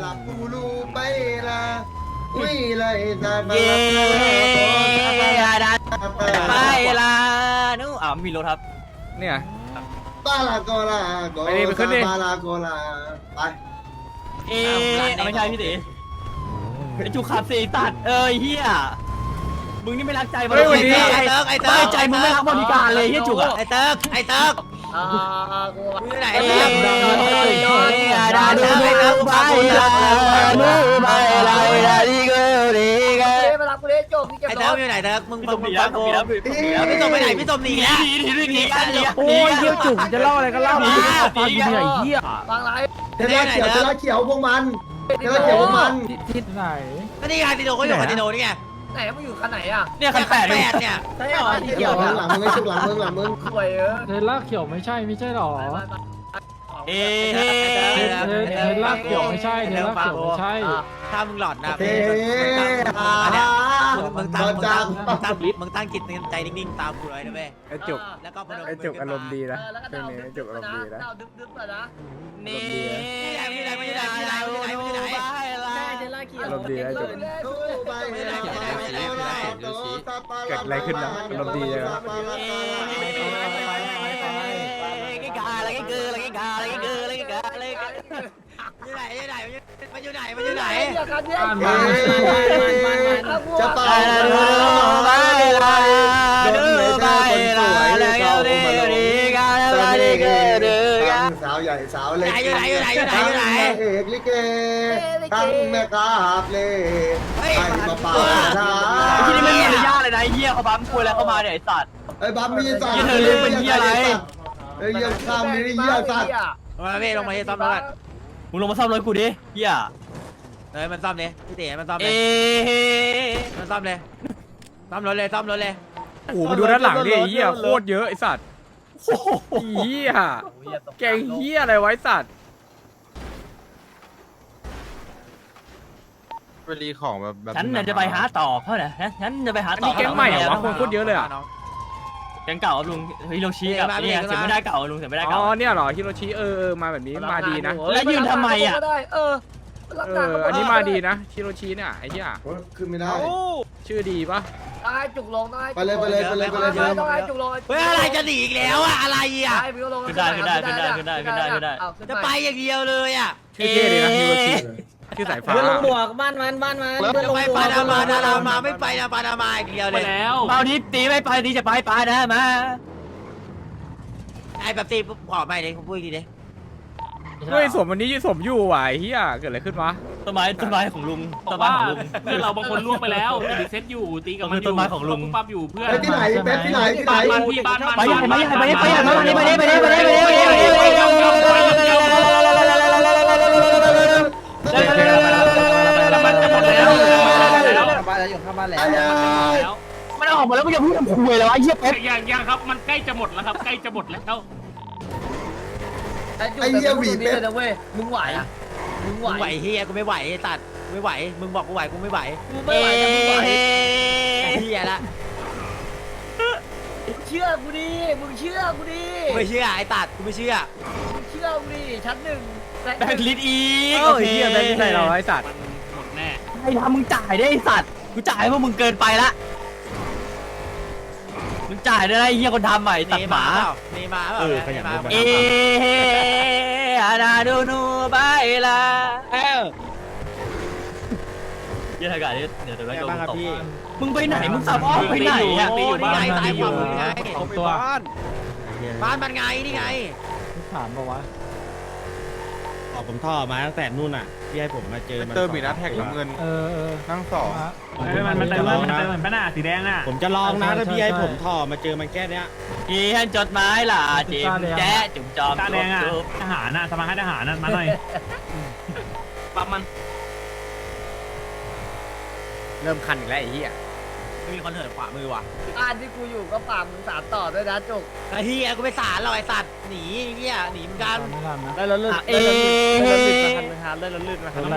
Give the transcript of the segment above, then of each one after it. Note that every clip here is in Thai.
la pulu baila Wila ita เย่ไปละนู้มีรถครับเนี่ย Bala gola gola ไปขึ้นดิ bala gola ไปไม่ใช่พี่ตีไอจุกขับสีตัดเฮียมึงนี่ไม่รักใจมันเฮ้ยวันนี้ไอ้เติร์กไม่ใจมึงไม่รักบริการเลยเฮียจุกอะไอเติร์กมึงไหนเติร์กดาดูไปละไปละไปละดีเกอร์ดีเกอร์มารับกูเลยจบนี่เก็บไอรเติร์กถอยู่ไหนเติร์กมึงฟังกูพี่ส่งไปไหนพี่ส่งหนีแล้วหนีกันโอ้ยเหี้ยจุกจะเล่าอะไรก็เล่าฟังกูเหนื่อยเหี้ยบางไรเทล่าเขียวพวกมันเทล่าเขียวพวกมันทิศไหนก็นี่ไงติโนก็อยู่คาติโนนี่ไงไหนมึงอยู่คันไหนอ่ะเนี่ยคัน8เนี่ยใช่หรอเขียวหลังมึงไอ้ชุกหลังมึงสวยเออเทล่าเขียวไม่ใช่หรอเทล่าเขียวไม่ใช่เทล่าเขียวไม่ใช่ถ้ามึงหลอดนะเฮ้มึงตั้งจิตใจนิ่งๆตามกูเลยนะเว้ยไอ้จุกแล้วก็พนมไอ้จุกอารมณ์ดีนะแล้วก็ดาวดึ๊บๆนะนี่อยู่ไหนใช่อารมณ์ดีนะจุก เกิดอะไรขึ้นนะอารมณ์ดีเลยนะมันอยู่ไหนจะเป่าสาวใหญ่สาวเล็กเอกลิเกทั้งแม่กาบเล่ให้มาเป่าช้าที่นี่ไม่มีมารยาทเลยนะเฮียเขาบัมคุยแล้วเข้ามาเนี่ยไอ้สัตว์ไอ้บัมมีสัตว์เธอเรียกเป็นเฮียอะไรไอ้เฮียข้ามมีเฮียสัตว์มาเว้ยลงมาซ่อมรถมึงลงมาซ่อมรถกูดิเฮียมันซ่อมเลยพี่เต๋มันซ่อมเลยมันซ่อมเลยซ่อมรถเลยโอ้โหมาดูด้านหลังดิเหี้ยโคตรเยอะไอ้สัตว์เหี้ยแกงเหี้ยอะไรไว้สัตว์ไปรีของแบบฉันจะไปหาต่อเขาเนี่ยฉันจะไปหาอันต่อนี้แก๊งใหม่เหรอวะคนโคตรเยอะเลยอ่ะแก๊งเก่าลุงฮิโรชิกับเนี่ยเสียไม่ได้เก่าลุงเสียไม่ได้อ๋เก่าอเนี่ยเหรอฮิโรชิมาแบบนี้มาดีนะอันนี้มาดีนะฮิโรชิเนี่ยไอ้เหี้ยขึ้นไม่ได้ชื่อดีปะต้องให้จุกลงต้องให้ไปเลยต้องให้จุกลงเฮ้ยอะไรจะหนีอีกแล้วอะอะไรอะขึ้นได้จะไปอย่างเดียวเลยอะชื่อเท่ดีนะฮิโรชิชื่อสายฟ้าลงบวกบ้านมันจะไปปานามาไม่ไปนะปานามาอีกเดียวเลยเมานี้ตีไม่ไปตีจะไปปานามาไอ้แบบตีขอไม่เลยผมพูดอีกทีเลยเฮ้ยสมวันนี้สมอยู่ว่ะไอ้เหี้ยเกิดอะไรขึ้นวะต้นไม้ของลุงต้นไม้ของลุงเพื่อนเราบางคนล่วงไปแล้วรีเซ็ตอยู่ตีกับมันอยู่ต้นไม้ของลุงปั๊บอยู่เพื่อนที่ไหนเป๊ปที่ไหนบ้านพี่บ้านมันไปยังไปมันจะหมดแล้วมันออกมาแล้วมึงจะพูดทำคุยแล้วไอ้เหี้ยเป๊ะยังครับมันใกล้จะหมดแล้วครับใกล้จะหมดแล้วนะเว้ยมึงไหวมึงไหวเฮียกูไม่ไหวตัดไม่ไหวมึงบอกกูไหวกูไม่ไหวไม่ไหวแต่มึงไหวเฮียละเชื่อกูดิมึงเชื่อกูดิไม่เชื่อไอ้ตัดกูไม่เชื่อเชื่อกูดิชั้นหนึ่งแบงค์ลิตอีกเออเหี้ยแบงค์ใส่เราไอ้สัตว์หมดแน่ไอ้ทำมึงจ่ายได้ไอ้สัตว์กูจ่ายเพราะมึงเกินไปละมึงจ่ายได้ไอ้เหี้ยคนทำใหม่ตัดหมามีมาเปล่าขยันอาดาดูนูบายละเยอะทางการเดี๋ยวแบงค์โดนตบมึงไปไหนมึงสับอ้อมไปไหนอ่ะนี่ไงตายความมึงไงตัวบ้านมันไงนี่ไงถามปะวะผมท่อมาตั้งแต่นู่นอ่ะที่ให้ผมมาเจอมันเติมอีกนะแท็กน้ำเงิน นั่งสองมันเติมเหมือนป้าหน้าสีแดงอ่ะผมจะลองนะถ้าพี่ให้ผมท่อมาเจอมันแค่เนี้ยอีฮันจดหมายล่ะจิมแจ๊จุ่มจอมตาแดงอ่ะทหารน่ะสมาชิกทหารน่ะมาหน่อยปั๊มมันเริ่มคันอีกแล้วไอ้เหี้ยไม่มีคนเหินขวามือว่ะบ้านที่กูอยู่ก็ป่ามึงสารต่อด้วยนะจุกไอ้เฮียกูไปสารเราไอ้สัตว์หนีเฮียหนีเหมือนกันได้แล้วลื่นเอ๊ะได้แล้วลื่นมาได้แล้วลื่นมามัน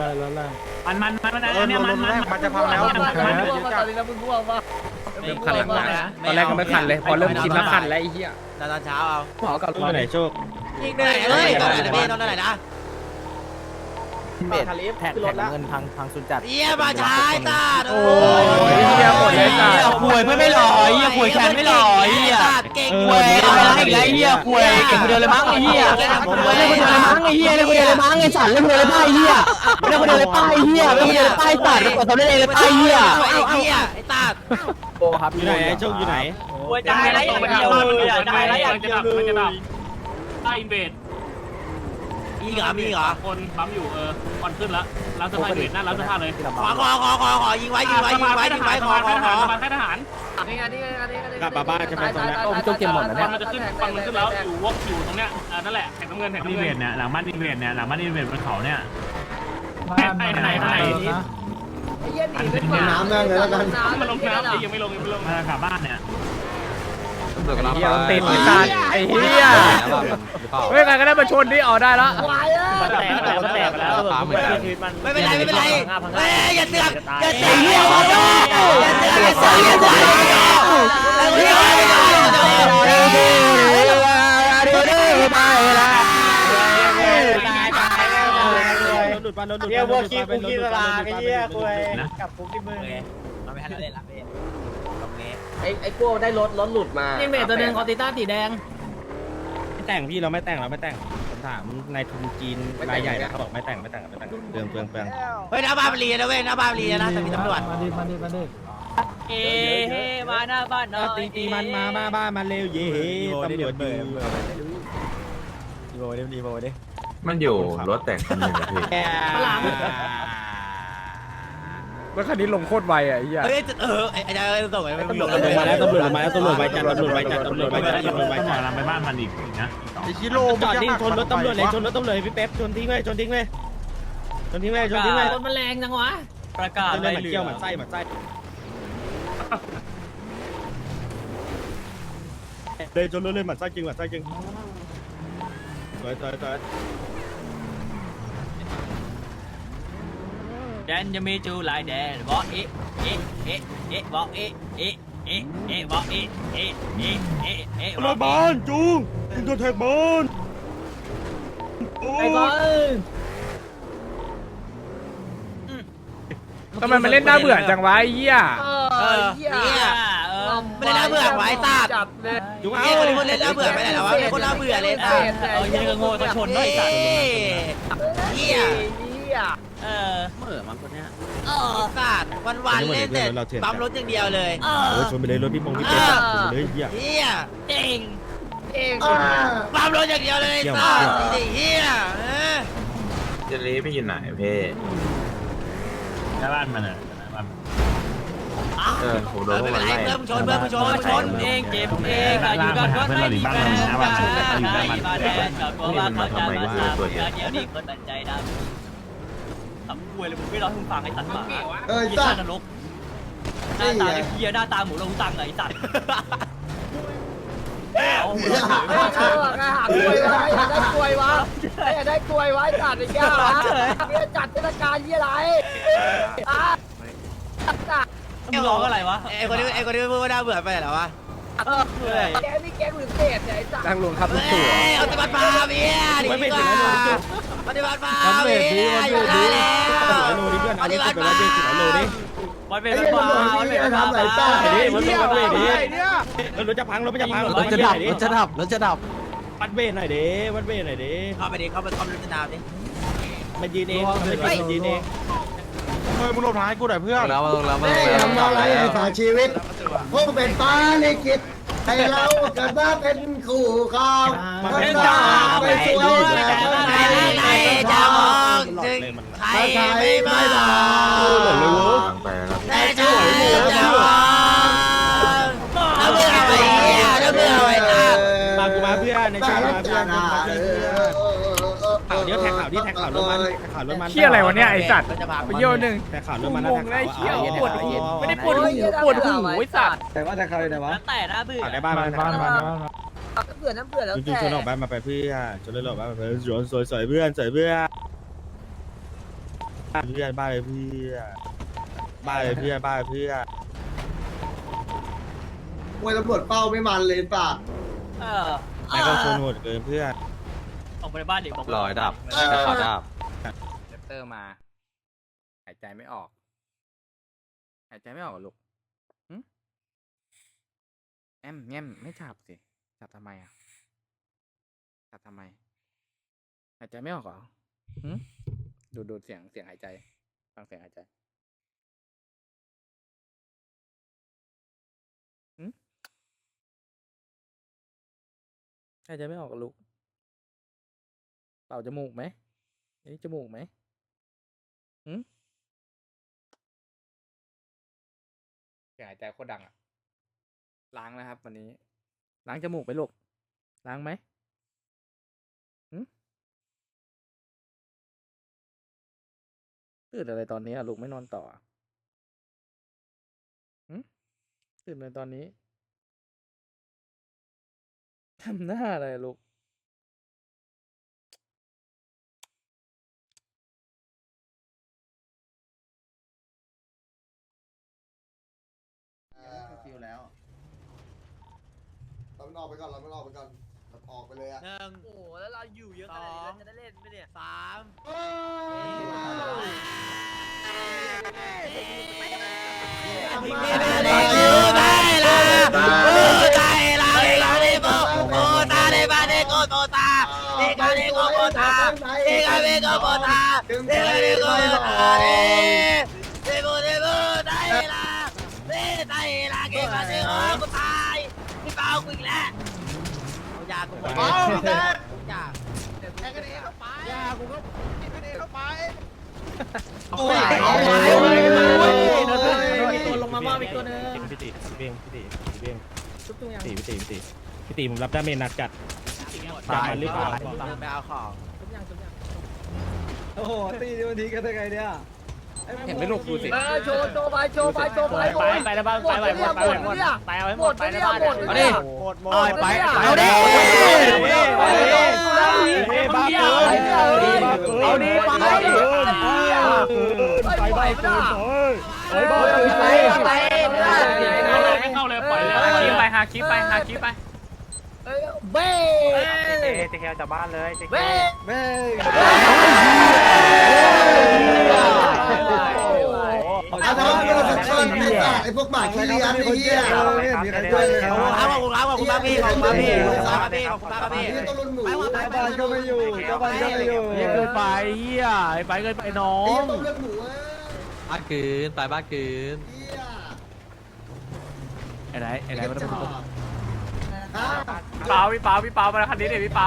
อันนี้มันมันจะพังแล้วตอนนี้แล้วมึงง่วงป่ะเริ่มคันหลังแล้วตอนแรกก็ไม่คันเลยพอเริ่มชินแล้วคันแล้วไอ้เหี้ยตอนเช้าเอาหมอกับไปไหนโชคยิงเลยเฮ้ยตอนไหนนะพี่ตอนไหนนะเบสแท็กเงินพังสุดจัดเยี่ยมาใช้ตาโอ้ยเหี้ยหมดเลยจ้ะป่วยไม่หล่อเยี่ยป่วยแขนไม่หล่อเยี่ยเก่งป่วยอะไรอีกแล้วเยี่ยป่วยเก่งคนเดียวเลยมั้งไอ้เยี่ยเล่นคนเดียวเลยมั้งไอ้เยี่ยเล่นคนเดียวเลยมั้งไอ้สัตว์เล่นคนเดียวเลยป้ายเยี่ยเล่นคนเดียวเลยป้ายเยี่ยเล่นคนเดียวเลยป้ายตัดแล้วกดทำได้เองเลยป้ายเยี่ยไอ้เยี่ยไอ้ตาโอ้ครับอยู่ไหนไอ้โชคอยู่ไหนป่วยตายแล้วอย่างเดียวเลยตายแล้วอย่างเดียวเลยได้อินเวดมีเหรอคนปั๊มอยู่ก่อนขึ้นแล้วร้านเสื้อผ้าอินเวดนั่นร้านเสื้อผ้าเลยขอยิงไว้ขอค่ายทหารกลับมาบ้านใช่ไหมตอนนี้โจเกมหมดแล้วฟัเนี่ยงมันจะขึ้นฟังมันขึ้นแล้วอยู่วกอยู่ตรงเนี้ยนั่นแหละแข่งน้ำเงินแข่งน้ำเงินเนี่ยหลังบ้านอินเวดเนี่ยหลังบ้านอินเวดบนเขาเนี่ยไหนไอ้เหี้ยหนีเป็นหมาน้ำนั่งเลยแล้วกันมันลงน้ำยังไม่ลงมากลับบ้านเนี่ยเหี้ยติดไอ้สัตว์ไอ้เหี้ยเฮ้ยใครก็ได้มาชนดิออกได้ละวายแตกไปแล้วชีวิตมันไม่เป็นไรอย่าเสือกอย่าเสือกเหี้ยหลุดไปหลุดเหี้ยพวกขี้คุกขี้ตลาดไอ้เหี้ยคุยกับคุกที่มึงเราไม่ให้เราเล่นละพี่ตรงนี้ไอ้พวกได้รถหลุดมานี่เมทตัวนึงคอติต้าสีแดงไม่แต่งพี่เราไม่แต่งผมถามนายทุนจีนรายใหญ่นะเขาบอกไม่แต่งเปลืองเฮ้ยหน้าบ้านมันรีนะเว้ยหน้าบ้านรีนะแต่มีตำรวจมาดิมาหน้าบ้านเนาะตีมันมาบ้านมันเร็วเย่ตำรวจดีมันอยู่รถแต่งคันหนึ่งพี่รถคันนี้ลงโคตรไวอ่ะไอ้เหี้ยเฮ้ยไอ้เจ้าส่งไปไม่ลงตำรวจมาแล้วตำรวจมาแล้วตำรวจไวจัดตำรวจไวจัดต้องหมดไปบ้านมันอีกนะไอชิโร่จอดนิ่งชนรถตำรวจเลยชนรถตำรวจพี่เป๊ปชนทิ้งเลยรถมันแรงจังวะประกาศเลยมันเกี่ยวมันไส้เลยชนรถเลยมันไส้จริงสวยแดนจะมีจูหลายแดนบอกบอกบอกรถบ้านจูคุณตัวแท็กบอลไอ้บอลทำไมมันเล่นน่าเบื่อจังวะไอ้เหี้ยเหี้ยไม่ได้น่าเบื่อไว้ตาจัดเลยจูไอ้คนเล่นน่าเบื่อไปไหนแล้ววะคนน่าเบื่อเลยตายังก็โง่ก็ชนด้วยสัตว์เหี้ยเหม่อมันคนเนี้ยสัตว์วันเล่นแต่ปั๊มรถอย่างเดียวเลยโอ้ชนไปเลยรถพี่ปงพี่เป๊ปชนไปเลยเหี้ยเหี้ยเก่งเองปั๊มรถอย่างเดียวเลยสัตว์เหี้ยเจลีพี่อยู่ไหนพี่หน้าบ้านมันผมโดนพวกไม่มันเป็นไรไล่เพิ่มชนเองเจ็บเองอยู่กันก็ไม่ดีแฟนมาแดนกับตัวว่าเขาจะมาสามเดี๋ยวนี้คนตัดใจดำทำป่วยเลยมึงไม่ร้องมึงฟังไอ้สัตว์ป่าไอ้ยี่สัห้าตว์นรกหน้าตาเฮียหน้าตาหมูลงตังไอ้สัตว์เอาหาคุยวะอยากได้คุยวะอยากได้คุยวะจัดไอ้แก้ววะเนี่ยจัดเทศกาลยี่ไรมึงร้องอะไรวะไอ้คนนี้พูดว่าน่าเบื่อไปเหรอวะแกนี่แกหรือเศษเนี่ยไอ้จัดนั่งลงครับลูกตู่เอาปฏิบัติมาเมียดีกว่าปฏิบัติมาเมียอยู่ได้แล้วโลดิเพื่อนเอารถไปแล้วเด็กถึงโลดิวันเป็นไอ้ตำรวจนี่ทำไรต้าไอ้ไอ้ดิเหี้ยรถจะพังรถจะพังรถจะดับวัดเวทหน่อยดิวัดเวทหน่อยดิเข้าไปดิเข้าไปคอมพิวเตอร์ดาวดิมันยืนเองมันยืนเองเฮ้ยมึงหลบท้ายกูหน่อยเพื่อนแม่ทำอะไรให้ฝากชีวิตพวกเป็นฟ้าลิขิตให้เราเกิดมาเป็นคู่ครองมันจะไปช่วยแต่คนไทยไหนจะมองถึงใครไม่มาไปแล้วแต่ฉันจะมองถ้าเบื่อไปเหี้ยถ้าเบื่อไปตามากูมาเพื่อนในชามาเพื่อนข่าวเดี๋ยวแท็กข่าวที่แท็กข่าวรถมันเหี้ยอะไรวะเนี่ยไอ้สัตว์จะพาไปเยี่ยวหนึ่งแท็กข่าวรถมันงงเลยเหี้ยปวดหูไม่ได้ปวดหูปวดหูไอ้สัตว์แต่ว่าจะใครไหนวะแต่น่าเบื่อในบ้านน้ำเบื่อแล้วจริงๆชนออกบ้านมาไปเพื่อชนเลยออกบ้านมาไปสวยเพื่อนบ้านเลยเพื่อบ้านเลยเพื่อมวยตำรวจเป้าไม่มันเลยป่ะไม่ก็ชนโหดเกินเพื่อนออกไปบ้านเด็กบอกลอยดับขอดับเตอร์มาหายใจไม่ออกหายใจไม่ออกลูกแอมแง้มไม่จับสิจับทำไมอ่ะจับทำไมหายใจไม่ออกเหรอดูเสียงหายใจฟังเสียงหายใจหายใจไม่ออกลูกเป่าจมูกไหมนี่จมูกไหมเสียงหายใจโคตรดังอ่ะล้างนะครับวันนี้ล้างจมูกไหมลูกล้างไหมตื่นอะไรตอนนี้อ่ะลูกไม่นอนต่อตื่นอะไรตอนนี้ทำหน้าอะไรลูกฟิลแล้วเราไม่ออกไปก่อนเราออกไปเลยอะโอ้แล้วเราอยู่เยอะขนาดนี้เราจะได้เล่นไหมเนี่ยตัวลงมาบ้างอีกตัวนึงพี่ตีเบ้งผมรับดาเมจหนักจัดตายหรือเปล่าไม่เอาของโอ้โหตีวันทีกันได้ไงเนี่ยเห็นไหมลูกดูสิโชว์ไปไปแล้วบ้างไปหมดไปเอาให้หมดไปแล้วบ้างเอาดิไปเอาดิบ้าเอาดิไปเข้าเลยปล่อยเลยหาคลิปไปเบ้จะแค่จากบ้านเลยเบ้ไอ้พวกหมาขี้เลี้ยงไอ้เหี้ยขอบคุณมากพี่ต้องรุ่นหมูบ้านก็ไม่อยู่เกินไปเฮียไปเกินไปน้องต้องเลือกหมูบ้านคืนตายบ้านคืนไอ้ไหนมันต้องพี่เปามาคันนี้เดี๋ยวพี่เปา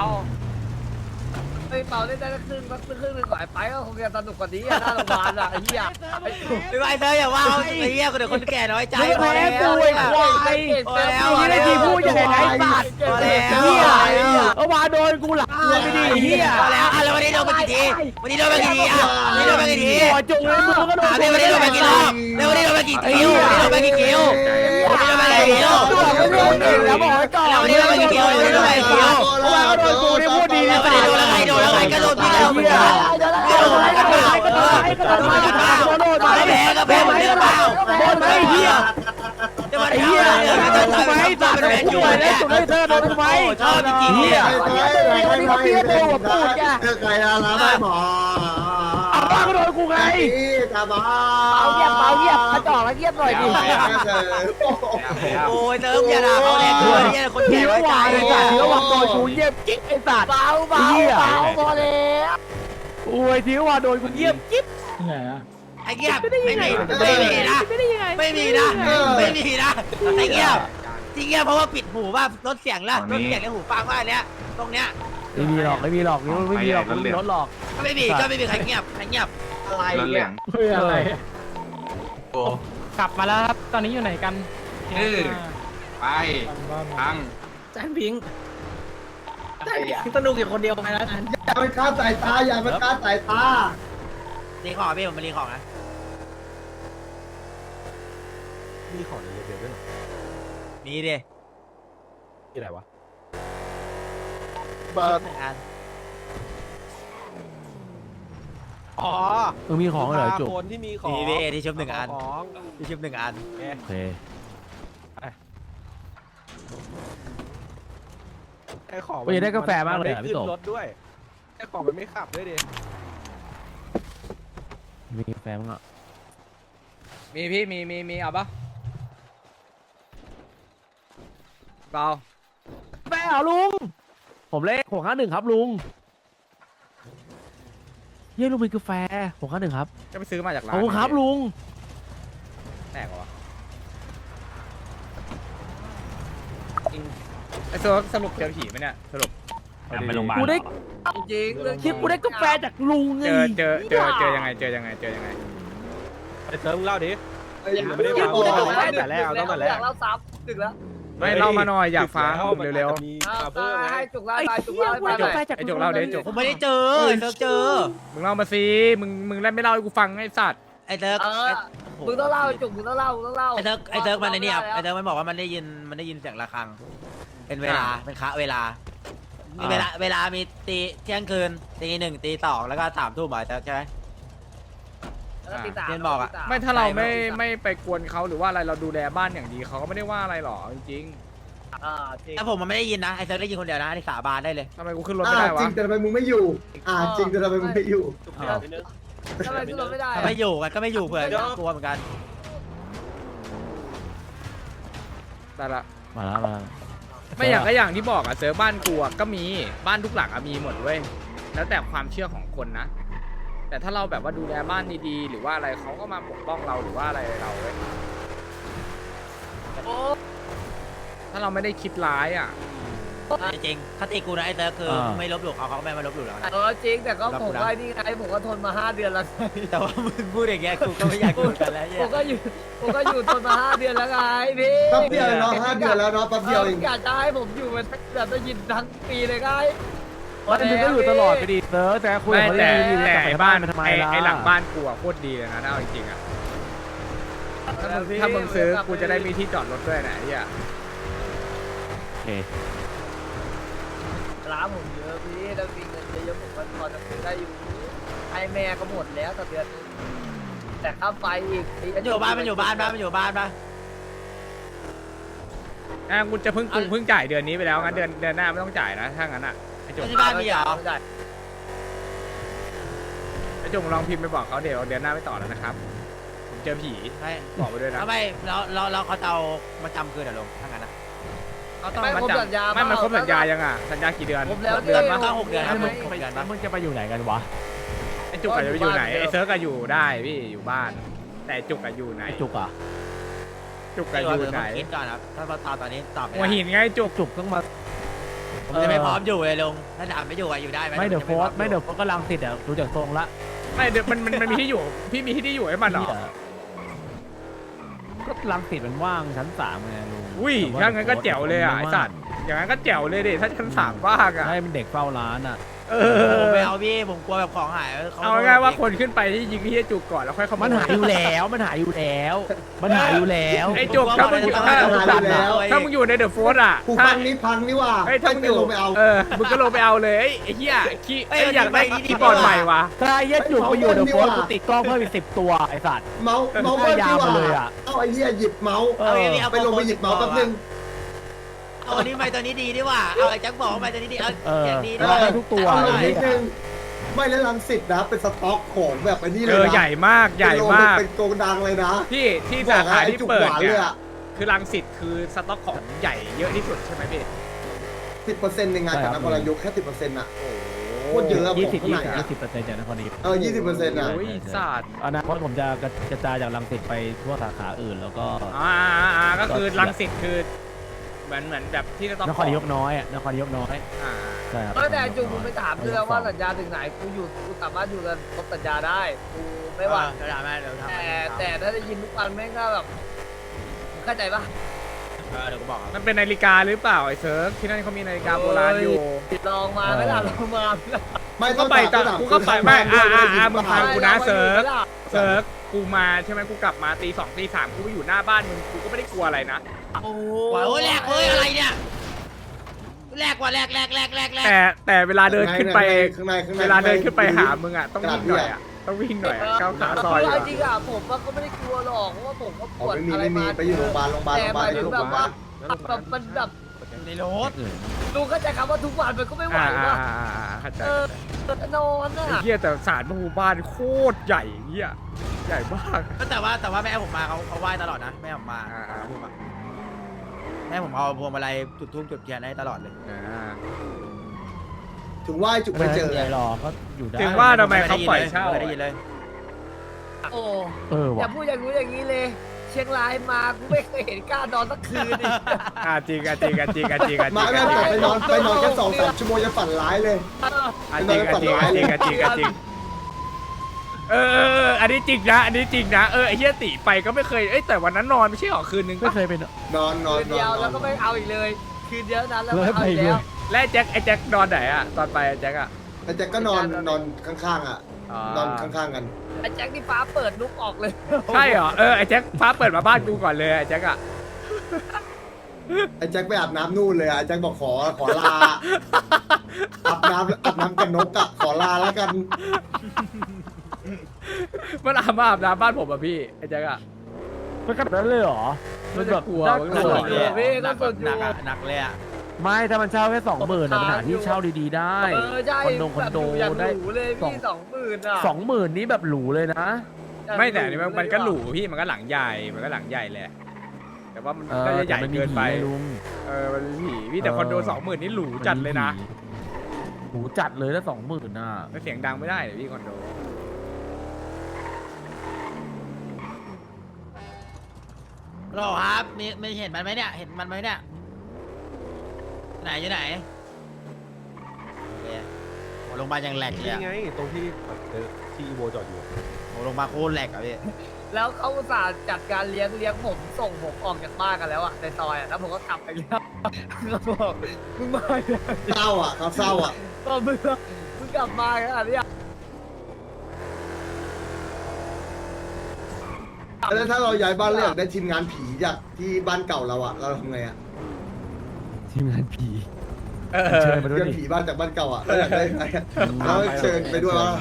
ไอ้เป่าเล่นได้ครึ่งหนึ่งไปก็คงจะสนุกกว่านี้อ่ะหน้าโรงพยาบาลอ่ะไอ้เหี้ยไม่ไหวเธออย่าว่าไอ้เหี้ยเดี๋ยวคนแก่น้อยใจพอแล้วนี่ได้ทีพูดยังไงไอ้สัตว์เหี้ยเอามาโดนกูหลังไม่ดีเหี้ยพอแล้วอะไรวันนี้โดนไปกี่ทีวันนี้โดนไปกี่ทีจุกเลยมึงก็โดนวันนี้โดนไปกี่รอบแล้ววันนี้โดนไปกี่คิววันนี้โดนไปกี่คิวแล้วบอกให้ก่อนวันนี้โดนไปกี่คิววันนี้โดนไปกี่คิวโดนกูนี่พูดดีนะโดนแล้วไงก็โดนพี่แล้วแพ้เหมือนเดิมเปล่าโดนไหมเหี้ยไอ้เหี้ยไม่ตัดเลยจุดเลยจุดเลยเธอโดนไหมชอบจริงเหี้ยนี่ก็เปี้ยตัวหัวปูดแกใครอะไรไม่หมอเอาบ้าก็โดนกูไงตาบ้าเงียบกระจอกแล้วเงียบหน่อยดิโอ้ยเติมอย่าด่าเขาแรงด้วยเนี่ยคนแก่ไว้ใจเดี๋ยววันโดนกูเงียบจิ๊บไอ้สัตว์เบาพอแล้วโอ้ยที่ว่าโดนกูเงียบจิ๊บไอ้เงียบไม่มีนะไอ้เงียบที่เงียบเพราะว่าปิดหูว่าลดเสียงแล้วในหูฟังว่าเนี้ยตรงเนี้ยไม่มีหรอกนี่ไม่มีหรอกรถหลอกก็ไม่มีใครเงียบอะไรเนี่ยอะไรโอ้กลับมาแล้วครับตอนนี้อยู่ไหนกันไปพังแจนพิงสนุกอยู่คนเดียวไปแล้วกันอย่าไปฆ่าสายตารีของพี่ผมมารีของนะมีของในเรือด้วยหรอมีดิที่ไหนวะเบิร์ดอันอ๋อมีของเหรอจุกคนที่มีของที่ชุบ1 อันที่ชุบ1 อันโอเคไอ้ของวันนี้ได้กาแฟมากเลยพี่โตรถด้วยไอ้ของมันไม่ขับด้วยดิมีแฟนมั้งอ่ะมีพี่มีเอาปะเปล่าแฟนเหรอลุงผมเลข651ครับลุงเย้ลุงมีกาแฟ651ครับจะไปซื้อมาจากร้าขนอบคุณครับลุงแตกเหรอวะไอ้ตัวสรุปเจอผีไหมเนี่ยสรุปไปโรงพยาบาลกูได้จริงเรื่องคิดกูได้กาแฟจากลุงไงเจอยังไงไอ้เติมเล่าดิไม่ได้พูดได้กับแฟนแต่แรกเอาต้องแต่แรกเราซ้ำดึกแล้วไม่เล่ามาหน่อยอยากฟังเร็วให้จุกเล่าไอ้ไปจุกเหี้ยเล่ากูได้กาแฟจากไอ้จุกเล่าดิจุกผมไม่ได้เจอไอ้เซิร์ฟเจอมึงเล่ามาสิมึงเล่นไม่เล่าให้กูฟังไอ้สัตว์ไอ้เซิร์ฟมึงต้องเล่าจุกมึงต้องเล่ามึงต้องเล่าไอ้เซิร์ฟมันไอ้นี่ครับไอ้เซิร์ฟมันบอกว่ามันได้ยินเสียงระฆังเป็นเวลาเป็นคะเวลามีตีเที่ยงคืนตีหนึ่งตีสองแล้วก็3 ทุ่มใช่ไหม ไม่ถ้าเราไม่ไปกวนเขาหรือว่าอะไรเราดูแลบ้านอย่างดีเขาก็ไม่ได้ว่าอะไรหรอกจริงแต่ผมมันไม่ได้ยินนะไอ้เซิร์ฟได้ยินคนเดียวนะที่สาบานได้เลยๆทำไมกูขึ้นรถไม่ได้จวะริงแต่ทำไมมึงไม่อยู่จริงแต่ทำไมมึงไม่อยู่ทำไมขึ้นรถไม่ได้ถ้าไม่อยู่กันก็ไม่อยู่เผื่อกลัวเหมือนกันแต่ละมาแล้วมาไม่อย่างที่บอกอะเซิร์ฟบ้านกูอะก็มีบ้านทุกหลังอะมีหมดเว้ยแล้วแต่ความเชื่อของคนนะแต่ถ้าเราแบบว่าดูแลบ้านดีๆหรือว่าอะไรเขาก็มาปกป้องเราหรือว่าอะไรเราเว้ยถ้าเราไม่ได้คิดร้ายอะจริงๆคติกูนะไอ้เซิร์ฟคือไม่ลบหลู่เขาก็ไม่ลบหลู่เรานะจริงแต่ก็ผมก็นี่ไงผมก็ทนมา5 เดือนแล้วแต่ว่ามึงพูดอย่างเงี้ยกูก็ไม่อยากอยู่กันแล้วผมก็อยู่ทนมา5 เดือนแล้วไงพี่แป๊บเดียวเนาะ5 เดือนแล้วเนาะแป๊บเดียวเองอยากจะให้ผมอยู่มันแบบได้ยินทั้งปีเลยไงวันนึงก็อยู่ตลอดไปดิเซิร์ฟแต่คุยไม่กับเขาแต่ดีๆแต่กลับไอ้ไปบ้านทำไมไอ้หลังบ้านกูอะโคตรดีเลยนะถ้าเอาจริงๆอะถ้ามึงซื้อกูจะได้มีที่จอดรถด้วยนะไอ้เหี้ยโอเคร้านผมเยอะพี่ถ้ามีเงินเยอะๆผมก็พอจะซื้อได้อยู่ให้แม่ก็หมดแล้วต่อเดือนแต่ค่าไฟอีกมันอยู่บ้านปะกูจะเพิ่งจ่ายเดือนนี้ไปแล้วงั้นเดือนหน้าไม่ต้องจ่ายนะถ้างั้นอะไอ้จุกที่บ้านมีเหรอไอ้จุกลองพิมพ์ไปบอกเขาเดี๋ยวเดือนหน้าไม่ต่อแล้วนะครับผมเจอผีไม่บอกไปด้วยนะทำไมเราเขาจะเอามาจำคืนเหรอลงถ้างั้นนะเขาต้องมาจับไม่มันครบสัญญายังอ่ะสัญญากี่เดือนผมแล้วเดือนมั้งต้อง6 เดือนครับมึง 6 เดือนปะมึงจะไปอยู่ไหนกันวะไอ้จุกอาจจะไปอยู่ไหนไอ้เซิร์กอะอยู่ได้พี่อยู่บ้าน แต่จุกอะอยู่ไหนไอ้จุกอ่ะจุกอะอยู่ไหนคิดก่อนครับถ้าเราตอนนี้ตอบไม่หัวได้หินไงจุกจุกต้องมาผมจะไม่พร้อมอยู่เลยลงถ้าถามไม่อยู่อยู่ได้ไหมไม่เดี๋ยวโฟสไม่เดี๋ยวโฟสกำลังติดอ่ะดูจากทรงละไม่เดี๋ยวมันมีที่อยู่พี่มีที่อยู่ให้มันเหรอก็ลังติดมันว่างชั้น3ไงลุงอุ้ยถ้างั้นก็แจ๋วเลยอ่ะไอ้สัตว์อย่างนั้นก็แจ๋วเลยดิถ้าชั้น3ว่างอ่ะให้เป็นเด็กเฝ้าร้านอ่ะผมไม่เอาพี่ผมกลัวแบบของหายเอาง่ายๆว่าคนขึ้นไปที่ยิงที่จุกก่อนแล้วค่อยเข้ามันหายอยู่แล้วมันหายอยู่แล้วไอ้จุกถ้ามึงอยู่ในเดอะโฟร์อะกูฟังนี่พังนี่ว่าเฮ้ยถ้ามึงอยู่ลงไปเอามึงก็ลงไปเอาเลยไอ้เหี้ยขี้ไอ้อยากได้ที่ก่อนใหม่วะถ้าเย็ดจุกไปอยู่เดี๋ยวโฟสกูติดกล้องเพิ่มอีก10 ตัวไอ้สัตว์เมาส์เบิ้ลดีกว่าเอาไอ้เหี้ยหยิบเมาส์ไปลงไปหยิบเมาส์แป๊บนึงเอาอันนี้ไปตัวนี้ดีดีว่าเอาไอ้แจ็คบอกไปตัวนี้ดีเอาอย่างดีดีให้ทุกตัวเอาลงนิดนึงไม่แล้วลังสิตนะเป็นสต็อกของแบบไอ้นี่เลยนะใหญ่มากเป็นโกดังเลยนะที่สาขาที่เปิดเนี่ยคือรังสิตคือสต็อกของใหญ่เยอะที่สุดใช่ไหมพี่ 10%ในงานจากนครนายกแค่ 10%อ่ะโคตรเยอะ 20% 20% จากนครนายก 20%อ่ะโอ้ยศาสตร์อนาคตผมจะกระจายจากรังสิตไปทั่วสาขาอื่นแล้วก็ก็คือรังสิตคือเหมือนแบบที่สต็อกนครนายกน้อยอ่ะนครนายกน้อยใช่ครับแต่จุกผมไปถามด้วยว่าสัญญาถึงไหนกูสามารถอยู่กันครบสัญญาได้กูไม่ว่าเดี๋ยวทำให้เดี๋ยวทำแต่ถ้าได้ยินทุกวันแม่งก็แบบเข้าใจปะเดี๋ยวกูบอกมันเป็นนาฬิกาหรือเปล่าไอ้เซิร์ฟที่นั่นเขามีนาฬิกาโบราณอยู่ลองมาไม่ล่ะลองมาไม่ก็ไปตอนกูก็ไปไม่มึงฟังกูนะเซิร์ฟกูมาใช่ไหมกูกลับมาตี 2 ตี 3กูไปอยู่หน้าบ้านมึงกูก็ไม่ได้กลัวอะไรนะโอ้ยแหลกเลยอะไรเนี่ยแหลกว่ะแหลกแต่เวลาเดินขึ้นไปข้างในเวลาเดินขึ้นไปหามึงอ่ะต้องวิ่งหน่อยอ่ะต้องวิ่งหน่อยก้าวขาซอยจริงอ่ะผมก็ไม่ได้กลัวหรอกเพราะว่าผมก็ปวดอะไรไม่มีมาไปอยู่โรงพยาบาลแต่แบบว่ามันแบบในรถลุงเข้าใจคำว่าทุกวันมันก็ไม่ไหวว่ะเข้าใจนอนอ่ะไอ้เหี้ยแต่ศาลพระภูมิบ้านโคตรใหญ่เหี้ยใหญ่มากแต่ว่าแม่ผมมาเขาไหว้ตลอดนะแม่ผมมาแม่ผมเอาพวงมาลัยจุดธูปจุดเทียนให้ตลอดเลยถึงไหว้จุกไปเจอใหญ่หรอก็อยู่ได้ถึงว่าทำไมเขาปล่อยเช่าไม่ได้ยินเลยโอ้ว่ะอย่าพูดอย่างนู้นอย่างนี้เลย เชียงรายมากูไม่เคยเห็นกล้านอนสักคืนอีกจริงจริงจริงจริงมาแม่แต่ไปนอนแค่2-3 ชั่วโมงจะฝันร้ายเลยจริงจริงจริงอันนี้จริงนะอันนี้จริงนะไอ้เหี้ยติไปก็ไม่เคยแต่วันนั้นนอนไม่ใช่หรอคืนนึงไม่เคยเป็นนอนคืนเดียวแล้วก็ไม่เอาอีกเลย คืนเดียวนั้นแล้วไม่เอาอีกแล้วและไอ้แจ็คนอนไหนอะตอนไปไอ้แจ็คอะแต่แจ็คก็นอนข้างๆอ่ะนอนข้างๆกันไอ้แจ็คที่ฟ้าเปิดลุกออกเลยใช่เหรอไอ้แจ็คฟ้าเปิดมาบ้านกูก่อนเลยไอ้แจ็คอะไอ้แจ็คไปอาบน้ำนู่นเลยอ่ะไอ้แจ็คบอกขอลาอาบน้ำกับนกอ่ะขอลาแล้วกันมันอาบน้ำบ้านผมอะพี่ไอ้แจ็คอะมันขนาดนั้นเลยเหรอมันจะกลัวมันหนักกลัวเลยหนักเลยอ่ะไม่ถ้ามันเช่าแค่20,000นะปัญหาที่เช่าดีๆได้ใช่คอนโดอย่างหได้รูเลยพี่20,000อ่ะ 20,000นี้แบบหรูเลยนะไม่แต่อันนี่มันก็หรูพี่มันก็หลังใหญ่มันก็หลังใหญ่แหละแต่ว่ามันก็จะใหญ่เกินไปลุงมันมีผีพี่แต่คอนโด20,000นี่หรูจัดเลยนะหรูจัดเลยถ้า20,000น่ะไม่เสียงดังไม่ได้เลยพี่คอนโดหรอครับไม่เห็นมันไหมเนี่ยเห็นมันไหมเนี่ยไหนอยู่ไหนโอ้โรงพยาบาลยังแหลกเลยอะไงตรงที่ที่อีโวจอดอยู่โอ้โรงพยาบาลโคตรแหลกอะพี่แล้วเขาอุตส่าห์จัดการเลี้ยงผมส่งผมออกจากบ้านกันแล้วอ่ะในซอยอ่ะแล้วผมก็กลับไปแล้วเขาบอกมึงมาเลยเศร้าอ่ะเขาเศร้าอ่ะก็มึงกลับมาขนาดนี้แล้วถ้าเราย้ายบ้านเลือกได้ทีมงานผีจากที่บ้านเก่าเราอ่ะเราทำไงอ่ะทีมงานผีเชิญผีบ้านจากบ้านเก่าอ่ะเราอยากได้ไงแล้วเชิญไปด้วยว่า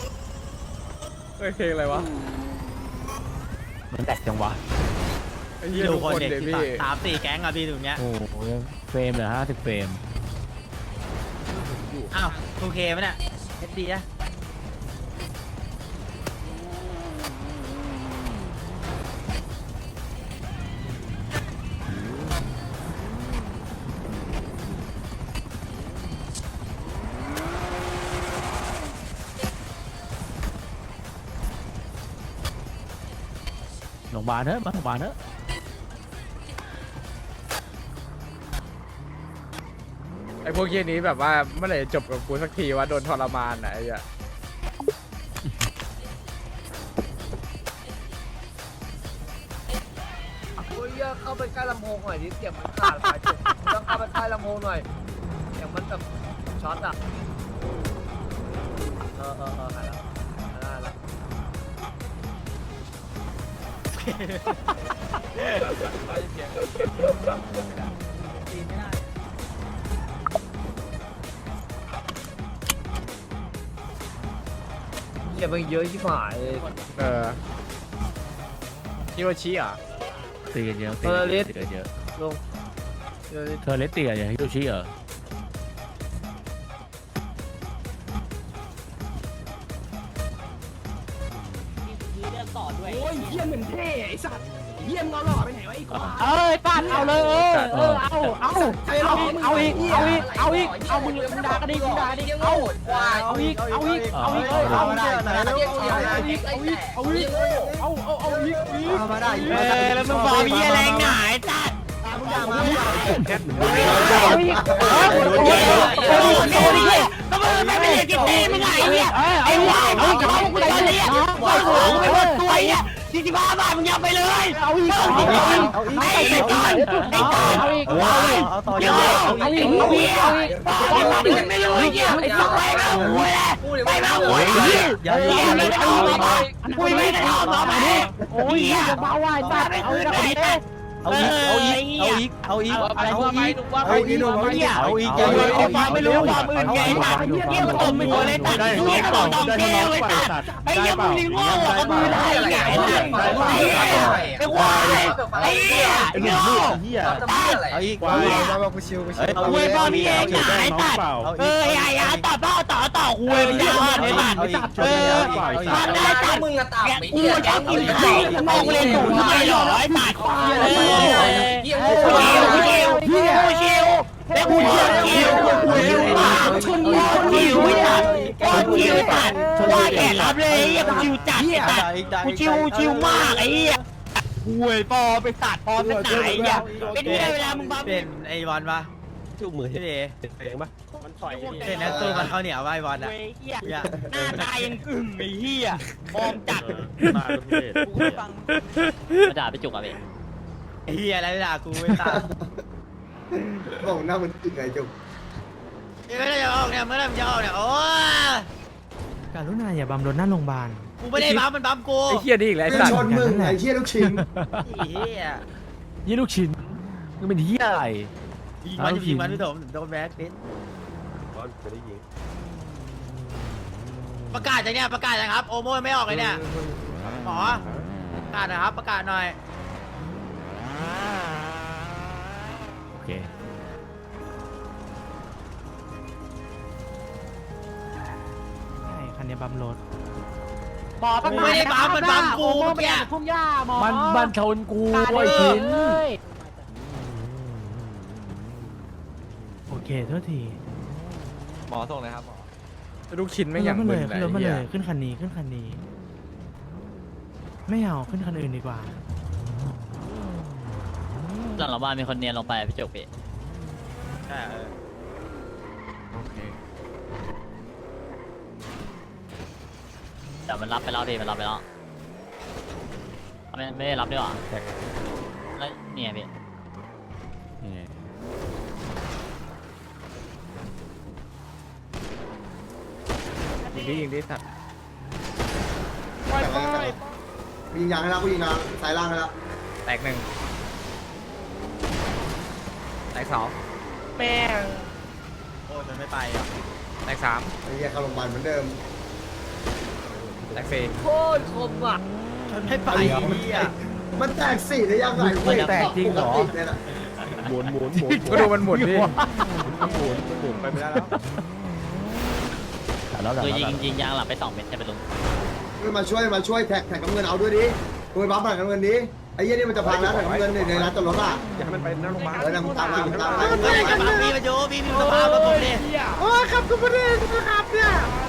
เพลงอะไรวะมันแตกจังวะไอ้เหี้ยดูทุกคนคนเด็กเดี๋ยวพี่ 3-4แก๊งอะพี่ตรงเนี้ยโอ้โหเฟรมเหลือ50เฟรมอ้าวโอเคไหมเนี่ยเอสดีอะโรงพยาบาลเถอะมาโรงพยาบาลเถอะไอ้พวกเหี้ยนี้แบบว่าเมื่อไหร่จะจบกับกูสักทีวะโดนทรมานอะไอ้เหี้ยโอ้ยเข้าไปใกล้ลำโพงหน่อยดิเสียงมันขาดไปจุดต้องเข้าไปใกล้ลำโพงหน่อยเสียงมันแบบช็อตอ่ะหายแล้วเสียงมันเยอะชิบหายฮิโรชิอ่ะตีกันเยอะตีกันเยอะลงเดี๋ยวเธอเลสตีกันอย่างฮิโรชิเหรอเอ้ยป้านเอาเลยเอาอีกเอามึงด่ากันดิมึงด่าดิเอาอีกเอาอีกแล้วมึงบอกมีอะไรหนาจัดไม่เป็นกินนี่มึงไงเนี่ยไอ้วายมึงจะมากูเลยเนี่ยไม่หมดตัวเนี่ย45 บาทมึงยังไปเลยเอาอีกไอ้ก่อนเอาอีกไม่รู้เนี่ยไอ้สักไปมาหัวเลยไปมาหัวอย่าไม่ได้ออกมาคุยไม่ได้ออกมาโอ้ยจะเบาไหวตัดเอาอีกเอาอีกเอาอีกอะไรพวกนี้เอาอีกหนุ่มเอาอีกเอาอีกเอาอีกความไม่รู้ความอื่นไงตัดเยี่ยมตบมือเลยตัดเยี่ยมตบเยี่ยมเลยตัดไอ้เยี่ยมมึงโง่กับมือได้ไงไอ้ควายไอ้เหี้ยไอ้โง่เอาอีกเอากูชิวเอาเว้ยพ่อพี่เองไอ้ตัดไอ้ตัดต่อคุยไม่ได้ไอ้ตัดมันได้ตัดมึงอะตัดกูจะกินไข่มองเลยถูกทำไมหรอไอ้ตัดเยี่ยมแล้วกูเชี่ยวชนคิวไม่ตัดคิวตัดว่าแกรับเลยกูชิวจัดกูชิวมากไอ้เหี้ยห่วยปอไปตัดปอไปไหนเนี่ยเป็นเวลามึงบ้าเป็นไอ้บอลปะจุกมือใช่ไหมเพลงปะมันถอยเป็นนักสู้มันเขาเหนียวไอ้บอลอะหน้าตายังกึ่งไอ้เหี้ยฟอร์มจัดมาด่าไปจุกอ่ะไอ้เหี้ยอะไรด่ากูไม่ตาบอกหน้ามันตึงไงจุกเมื่อไรจะออกเนี่ยเมื่อไรมันจะออกเนี่ยโอ้การุณาอย่าบัมรถหน้าโรงพยาบาลกูไม่ได้บัมมันบัมกูไอ้เหี้ยนี่อีกแล้วไอ้สัตชว์นมึงไอ้เชี่ยลูกชิ้นเหี้ยยี่ลูกชิ้นมึงเป็นเหี้ยอะไรยิงมันยิงมันพี่ถมโดนแบ็คพิษประกาศจะเนี่ยประกาศนะครับโอโม่ไม่ออกเลยเนี่ยหมอประกาศนะครับประกาศหน่อยโอเคใช่คันนี้บัมรถมันไม่ได้บัมมันบัมกูเมื่อกี้มันชนกูไอ้ชิ้นโอเคโทษทีหมอส่งเลยครับหมอลูกชิ้นไม่อย่างขึ้นมึมานเลยเลยขึ้นรถมาเหี้เลย ยขึ้นคันนี้ขึ้นคันนี้ ไม่เอาขึ้นคันอื่นดีกว่าหลังเราบ้านมีคนเนียนลงไปพี่จุกพี่แต่มันรับไปแล้วพี่มันรับไปแล้วไม่ได้รับด้วยหรอแล้วเนี่ยพี่ยิงดิสัตว์ยิงยางให้แล้วกูยิงยางสายล่างให้แล้วแตกหนึ่งแตกสองแม่งโอ้ยมันไม่ไปอ่ะแตกสามไอ้เหี้ยเข้าโรงพยาบาลเหมือนเดิมแตกสี่โคตรคมอ่ะมันไม่ไปอ่ะมันแตกสี่ได้ยังไงเว้ยแตกจริงเหรอหมุนก็ดูมันหมุนดิไปไม่ได้แล้วคือยิงยางหลับไป2 เม็ดใช่ไหมลุงมาช่วยแท็กน้ำเงินเอาด้วยดิกูไปบัฟแท็กน้ำเงินดิไอ้เหี้ยนี่มันจะพังแล้วแท็กน้ำเงินในร้านจอดรถอ่ะอยากให้มันไปหน้าโรงพยาบาลนำตามมาไม่ได้กับพี่มาโยพี่สภาพมาผมเนี่ยโอ้ครับคุณประเด็นนะครับเนี่ย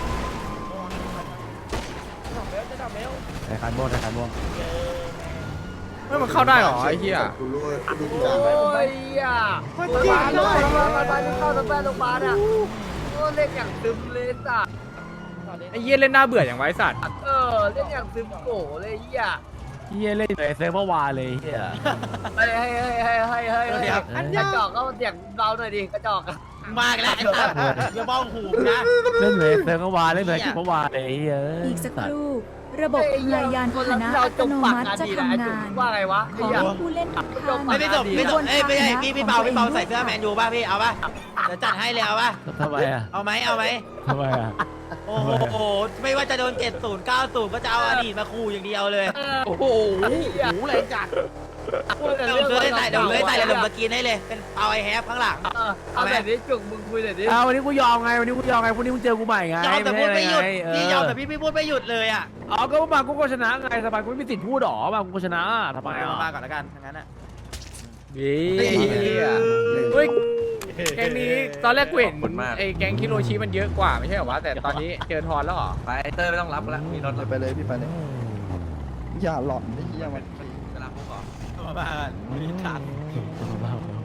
ไอ้คันม่วงไอ้คันม่วงไม่มันเข้าได้เหรอไอ้เหี้ยกูรู้ดูทุกโอ้อย่างยอ่ะโรงพยาบาลเข้าโรงพยาบาลโรงพยาบาลอ่ะโอ้เล่นอย่างซึมเลยสัตว์ไอ้เหี้ยเล่นหน้าเบื่ออย่างไว้สัตว์เล่นอย่างซึมโกเลยเหี้ยเฮียเล่นเลยเซิร์ฟเวอร์วาเลยเฮียให้กระจอกก็เสียงเบาหน่อยดิกระจอกมากแล้วอย่าบ้องหูนะเล่นเลยเซิร์ฟเวอร์วาเล่นเลยเซิร์ฟเวอร์วาเลยเฮียอีกสักครู่ ระบบพลายานพาหนะอัตโนมัติจะทำงานว่าไงวะขอให้ผู้เล่นทุกท่านไม่ส่งไม่ส่งไม่ใช่พี่เปาใส่เสื้อแมนยูป่ะพี่เอาป่ะจะจัดให้เลยเอาป่ะทำไมอ่ะเอาไหมทำไมอ่ะโอ้โหไม่ว่าจะโดน70 90ก็จะเอาอดีตมาขู่อย่างเดียวเลยโอ้โหอะไรจัดเดี๋ยวเลยใส่เดี๋ยวสกินให้เลยเป็นเปาไอแฮปข้างหลังเอาแบบนี้จุกมึงคุยหน่อยดิเอาวันนี้กูยอมไงวันนี้กูยอมไงพรุ่งนี้มึงเจอกูใหม่ไงยอมแต่พูดไม่หยุดพี่ยอมแต่พี่พี่พูดไม่หยุดเลยอ่ะอ๋อก็มากูก็ชนะไงสบายกูไม่มีสิทธิ์พูดหรอมากูก็ชนะทำไมอ่ะมาก่อนแล้วกันทั้งนั้นอ่ะดีเฮ้ยแก๊งนี้ตอนแรกกูเห็นไอ้แก๊งคิโรชิมันเยอะกว่าไม่ใช่เหรอวะแต่ตอนนี้เจอทอนแล้วเหรอไปเตอร์ไม่ต้องรับแล้วมีรถไปเลยพี่ไปเลยอย่าหลอนไอ้เหี้ยมันเวลาพวกเหรอมาบ้านมีทันเ